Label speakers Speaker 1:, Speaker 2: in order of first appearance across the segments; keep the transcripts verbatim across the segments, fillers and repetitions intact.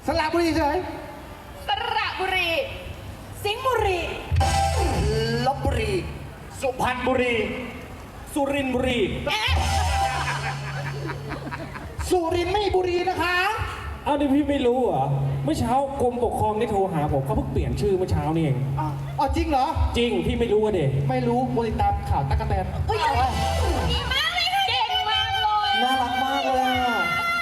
Speaker 1: สระบุรีเฉย
Speaker 2: สระบุรี
Speaker 3: สิงห์บุรี
Speaker 1: ลบบุรี
Speaker 4: สุพรรณบุรี สุรินทร์บุรี
Speaker 1: สุรินทร์ไม่บุรีนะคะ
Speaker 4: เอาดิพี่ไม่รู้เหรอ เมื่อเช้ากรมปกครองได้โทรหาผมเขาเพิ่งเปลี่ยนชื่อเมื่อเช้านี่เอง
Speaker 1: อ๋ออ๋อจริงเหรอ
Speaker 4: จริงพี่ไม่รู้อะเด็ก
Speaker 1: ไม่รู้บริตามข่าวตั๊กแตน
Speaker 3: เฮ้ย
Speaker 2: ดีมากเลยค่ะเก่งมากเลย
Speaker 1: น่ารักมากเลยอะ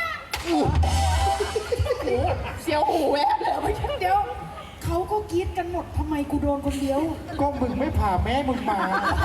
Speaker 2: เสียวหูแวบเลยไม่ใช่
Speaker 3: เดี๋ยวเขาก็กรี๊ดกันหมดทำไมกูโดนคนเดียว
Speaker 1: ก็มึงไม่พาแม่มึงมา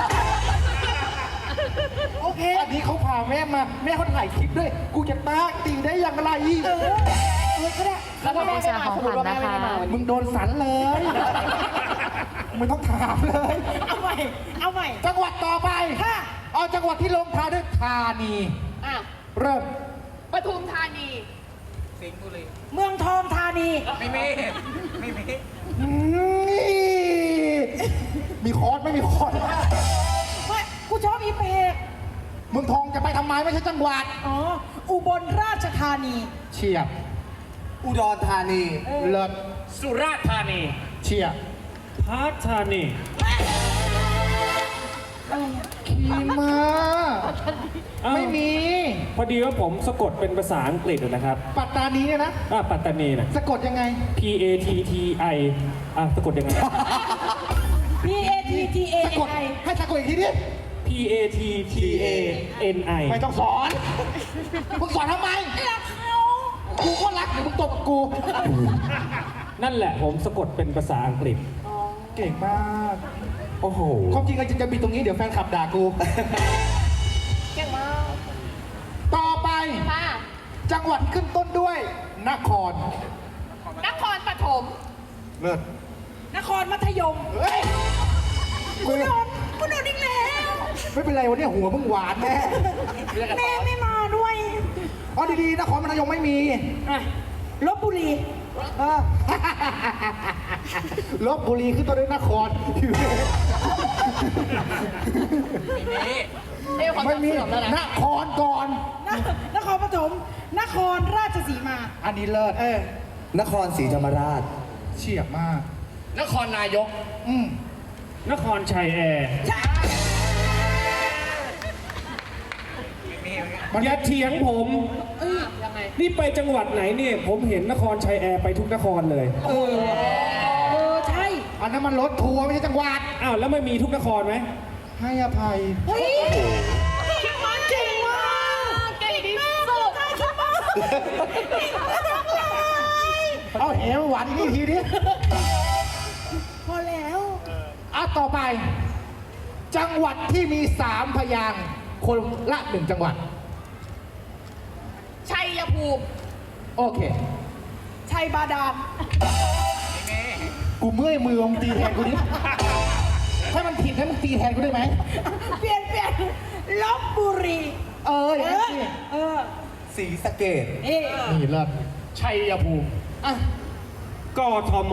Speaker 3: โอเค
Speaker 1: อันนี้เขาพาแม่มา แม่เขาถ่ายคลิปด้วย กูจะตากตีได้อย่างไร
Speaker 3: เออเออก็ได้
Speaker 2: แล้วถ้าแม่ไม่มาสมมติว่าแม่ไม่ได้มาวัน
Speaker 1: มึ
Speaker 2: นี้
Speaker 1: งโดนสันเลยมึงต้องถามเลย
Speaker 3: เอาใหม่เอาใหม่
Speaker 1: จังหวัดต่อไป
Speaker 3: ค่ะ
Speaker 1: เอาจังหวัดที่ลงท้ายด้วยธานี
Speaker 2: อ่ะ
Speaker 1: เริ่ม
Speaker 2: ปทุมธานี
Speaker 3: เมืองทองธานี
Speaker 5: ไม่มี ไม่มี
Speaker 1: มีคอร์สไม่มีคอร์ส
Speaker 3: ไม่กูชอบอีเพก
Speaker 1: เมืองทองจะไปทำไมไม่ใช่จังหวัด
Speaker 3: อ๋ออุบลราชธานี
Speaker 1: เชียบ
Speaker 5: อุดรธานี
Speaker 1: เลิศ
Speaker 4: สุราษฎร์ธานี
Speaker 1: เชียบ
Speaker 4: พัทานี
Speaker 3: อะไรอ่ะ
Speaker 1: ขี่มา
Speaker 4: อ้าว
Speaker 1: ไม่มี
Speaker 4: พอดีว่าผมสะกดเป็นภาษาอังกฤษอะนะครับ
Speaker 1: ปัตตานีเนี่ยนะ
Speaker 4: อ่าปัตตานีนะ
Speaker 1: สะกดยังไง
Speaker 4: P A T T I อ่ะสะกดยังไง
Speaker 3: P A T T A
Speaker 1: สะกด
Speaker 3: I
Speaker 1: ให้สะกดอีกทีดิ
Speaker 4: P A T T A N I
Speaker 1: ไม่ต้องสอนมึงสอนทำไม
Speaker 3: รักเขา
Speaker 1: กูก็รักเดี๋ยวมึงตบกับกู
Speaker 4: นั่นแหละผมสะกดเป็นภาษาอังกฤษ
Speaker 1: เก่งมาก
Speaker 5: โอ้โห
Speaker 1: ความจริงอะจะมีตรงนี้เดี๋ยวแฟนขับด่ากู
Speaker 2: เก่งมาก
Speaker 1: ต่อไป
Speaker 2: ค่ะ
Speaker 1: จังหวัดที่ขึ้นต้นด้วย นคร
Speaker 2: นครปฐม
Speaker 1: เลิศ
Speaker 3: นครมัธยม
Speaker 1: เฮ้ย
Speaker 3: กูโดนกูโดนอีกแล้ว
Speaker 1: ไม่เป็นไรวันนี้หัวมึงหวานแน่
Speaker 3: แม่ไม่มาด้วย
Speaker 1: อ๋อดีๆนครพนมไม่มี
Speaker 3: อ่ะลบบุรี
Speaker 1: อ่ะ ลบบุรีขึ้นต้นด้วยนคร
Speaker 2: เอ้ยความ
Speaker 1: ไม่
Speaker 2: จำ
Speaker 1: มี
Speaker 2: เสื่อมแล้ว
Speaker 1: น
Speaker 2: นะ
Speaker 1: ครก่อน
Speaker 3: นนครปฐมนครราชสีมา
Speaker 1: อันนี้เลิศเออน
Speaker 5: ครศรีธรรมราช
Speaker 1: เฉียบมาก
Speaker 4: นครนายก
Speaker 1: อืม
Speaker 4: นครชัยแอร์
Speaker 1: มัน
Speaker 4: อย่าเถียงผม
Speaker 2: ยังไง
Speaker 4: นี่ไปจังหวัดไหนเนี่ย ผมเห็นนครชัยแอร์ไปทุกนครเลย
Speaker 3: เออ เออ ใช่
Speaker 1: อันนั้นมันรถทัวร์ไม่ใช่จังหวัด
Speaker 4: อ้าวแล้วไม่มีทุกนครไหม
Speaker 1: ให้อภัย
Speaker 3: เฮ้ยเก่งมากเก่งมาก
Speaker 2: เก่งที่สุด
Speaker 1: เอาเหวหวานอีกทีดิ
Speaker 3: พอแล้ว
Speaker 1: อ่ะต่อไป จังหวัดที่มีสามพยางค์คนละหนึ่งจังหวัด
Speaker 2: ชัยภูมิ
Speaker 1: โอเค
Speaker 3: ชัยบาดาล
Speaker 1: กูเมื่อยมือมึงตีแทนกูดิถ้ามันผิดให้มึงตีแทนกูได้ไหม
Speaker 3: เปลี่ยนเปลี่ยนลบบุรี
Speaker 1: เอออ
Speaker 3: เอย่าง
Speaker 1: นั้น
Speaker 3: อ
Speaker 1: สิ
Speaker 3: เออ
Speaker 5: ศรีสะเกด
Speaker 3: เอ๊ะ
Speaker 1: นี่เลิศ
Speaker 4: ชัยภูมิ
Speaker 1: อ่ะ
Speaker 4: กทม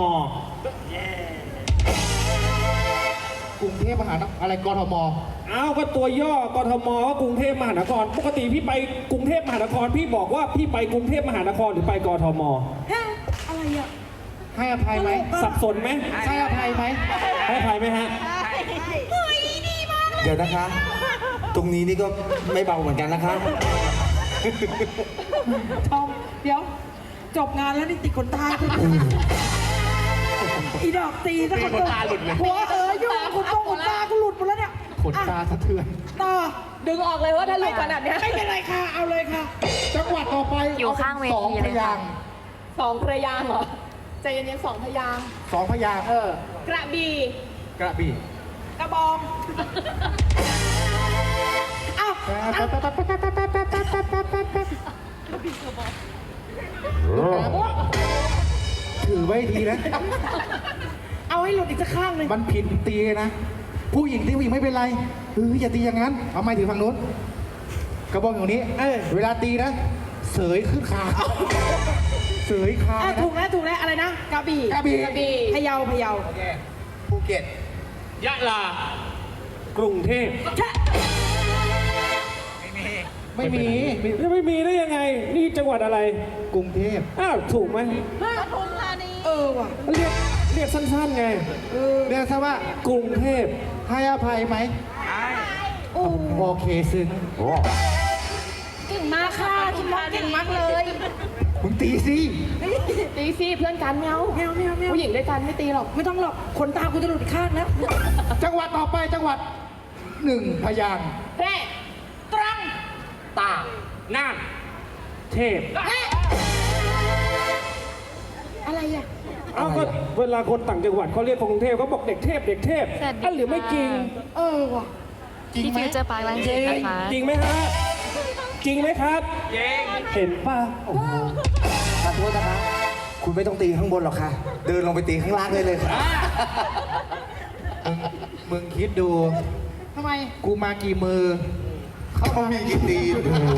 Speaker 1: กรุงเทพมหานครอะไรกทม
Speaker 4: อ้าวก็ตัวย่อกทมก็กรุงเทพมหานคร ปกติพี่ไปกรุงเทพมหานคร พี่บอกว่าพี่ไปกรุงเทพมหานครหรือไปกทม
Speaker 3: ฮะอะไรอ่ะ
Speaker 1: ให้อภัยไหม
Speaker 4: สับสนไหม
Speaker 1: ให้อภัยไหม
Speaker 4: ให้อภัยไหมฮะ
Speaker 3: เฮ้ยดีมากเลย
Speaker 5: เดี๋ยวนะคะ ตรงนี้นี่ก็ไม่เบาเหมือนกันนะคะ
Speaker 3: ทอมเดี๋ยว จบงานแล้วนี่ติดขนตาอีดอกตีซะคนตาหลุดเลยหัวเอ๋ยยุ่งขนตรงขนตากูหลุดหมดแล้วเนี่ย
Speaker 1: ขนตาสะเทือน
Speaker 3: ต่อ
Speaker 2: ดึงออกเลยว่าถ้าลูกขนาดเนี้ย
Speaker 3: ไม่เป็นไรค่ะ เอาเลยค่ะ
Speaker 1: จังหวัดต่อไป
Speaker 6: อยู่ข้างเวที
Speaker 1: สอง
Speaker 6: เลย
Speaker 1: พ
Speaker 6: ค่ะ
Speaker 1: ยางค์
Speaker 2: สองพระยางค์เหรอ ใจเย็นๆสองพระยางค์
Speaker 1: สองพยางค์เออก
Speaker 2: ระบี่
Speaker 1: กระบี่
Speaker 2: กระบอง
Speaker 3: อ้าว
Speaker 1: ถือไว้ดีนะ
Speaker 3: เอาให้หลุดอีกสักข้างหนึ่ง
Speaker 1: มันผิดตีนะ ผู้หญิงที่ผู้หญิงไม่เป็นไรเอออย่าตีอย่างนั้น เอาไม้ถือฝั่งนู้น กระบอกอย่างนี้ เออเวลาตีนะ เสยขึ้นคางเสยคาง
Speaker 3: อ่ะ
Speaker 1: นะ
Speaker 3: ถูกแล้วถูกแล้วอะไรนะกระบี่
Speaker 1: กระบี่
Speaker 2: กระบี่
Speaker 3: พะเยาพะเยา
Speaker 5: ภูเก็ต
Speaker 4: ยะลา กรุงเทพ
Speaker 3: ชะ
Speaker 5: ไม่มี
Speaker 1: ไม่มีมี
Speaker 4: จะไม่มีได้ยังไง นี่จังหวัดอะไร
Speaker 1: กรุงเทพ
Speaker 4: อ้าวถูกไหม
Speaker 3: เออว่ะ
Speaker 4: เรียกเรียกสั้นๆไง
Speaker 1: เรียกซะว่าก
Speaker 4: รุงเทพ
Speaker 1: ให้อภัยไหม
Speaker 3: โอ้
Speaker 1: โอเคซึ้ง
Speaker 3: เก่งมากค่ะคิมมอกเก่งมากเลย
Speaker 1: มึงตีสิ
Speaker 2: ตีสิเพื่อนกันแมว
Speaker 3: แมวแมวแมว
Speaker 2: ผู้หญิงด้วยกันไม่ตีหรอก
Speaker 3: ไม่ต้องหรอกขนตากูจะหลุดอีกข้างแล้ว
Speaker 1: จังหวัดต่อไปจังหวัดหนึ่งพยางค์
Speaker 2: แพร่ตรัง
Speaker 4: ตากน่านเทพ
Speaker 3: อะไรอ่ะ
Speaker 4: เอ้าก็เวลาคนต่างจังหวัดเขาเรียกคนกรุงเทพเขาบอกเด็กเทพเด็กเทพ
Speaker 6: สวัสดี
Speaker 4: อันหรือไม่จริง
Speaker 6: ค่ะ
Speaker 3: เออว่ะ
Speaker 1: จริง
Speaker 6: ที่
Speaker 1: ไหม
Speaker 6: ฟิวเจอร์พาร์คลัง
Speaker 4: จ
Speaker 6: สิ
Speaker 4: ริ
Speaker 6: ต
Speaker 4: ง
Speaker 6: นะคะ
Speaker 4: จริงไหมฮะจริงไหมครับจริงเห็นป่ะโอ้โห
Speaker 5: ขอโทษนะคะ คุณไม่ต้องตีข้างบนหรอกค่ะ เดินลงไปตีข้างล่างได้เลยค่ะ
Speaker 1: มึงคิดดู
Speaker 3: ทำไม
Speaker 1: กูมากี่มือ
Speaker 5: เขามีกี่ตีน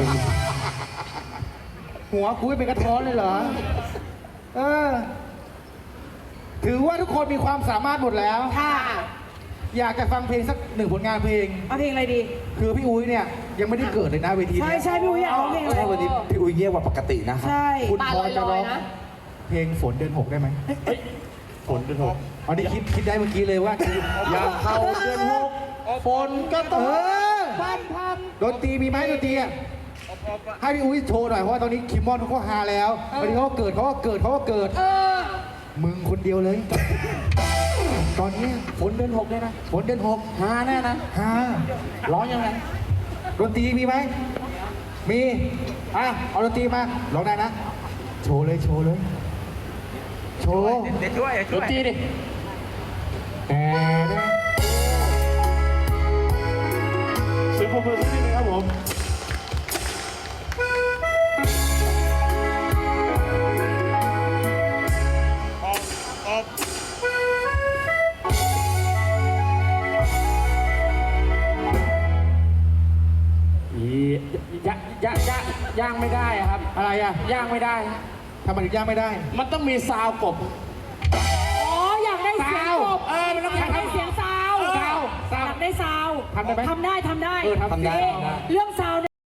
Speaker 1: หัวกูไม่เป็นกระท้อนเลยเหรอ เออ ถือว่าทุกคนมีความสามารถหมดแล้ว
Speaker 3: ค่ะ
Speaker 1: อยากจะฟังเพลงสักหนึ่งผลงานเพลง
Speaker 3: เอาเพลงอะไรดี
Speaker 1: คือพี่อุ้ยเนี่ย ยังไม่ได้เกิดเลยนะเวที
Speaker 3: ใช่
Speaker 1: เนี้ย
Speaker 3: ใช่พี่อุ้ยอยากร้องเพลงอะไร
Speaker 5: ใช่วันนี้พี่อุ้ยเงียบกว่าปกตินะครับ
Speaker 3: ใช่
Speaker 1: คุณ
Speaker 2: ตา
Speaker 1: พ
Speaker 2: ล
Speaker 1: อจะ
Speaker 2: อ
Speaker 1: ร้อย ง
Speaker 2: ๆนะ
Speaker 1: เพลงฝนเดือนหกได้ไหม
Speaker 5: ฝนเป็นหก
Speaker 1: อันนี้คิดคิดได้เมื่อกี้เลยว่าอยากเข้าเดือนหกฝนก็ตกพันพันดนตรีมีไหมดนตรีอ่ะให้พี่อุ้ยโชว์หน่อยเพราะว่าตอนนี้คิมมอนเขาก็ฮาแล้ววันนี้เขาก็เกิดเขาก็เกิดเขาก็เกิด
Speaker 3: เออ
Speaker 1: มึงคนเดียวเลย ตอนนี้ฝนเดือนหกเลยนะฝนเดือนหกฮาแน่นะฮาร้องยังไงดนตรีมีไหมมีอ่ะเอาดนตรีมาร้องได้นะ โชว์เลยโชว์เลยโชว์
Speaker 5: เด็ดด้วย
Speaker 1: ดนตรีดิแต่นะ
Speaker 4: เสียงปรบมือสักนิดนึงครับผม
Speaker 7: ย่างย่างย่างย่างไม่ได้อะครับ
Speaker 1: อะไรอ่ะ
Speaker 7: ย่างไม่ได้
Speaker 1: ทำไมถึงย่างไม่ได้
Speaker 7: มันต้องมีซาวกบ
Speaker 3: อ๋อ อยากได้เสียงกบ
Speaker 7: เออมันต้อง
Speaker 3: อยากได้เสียงซาว
Speaker 7: ซาวซาว
Speaker 3: อยากได้ซาว
Speaker 1: ทำได้ไหม
Speaker 3: ทำได้ทำได้
Speaker 1: เออทำได้
Speaker 3: เอ๊ะเรื่อง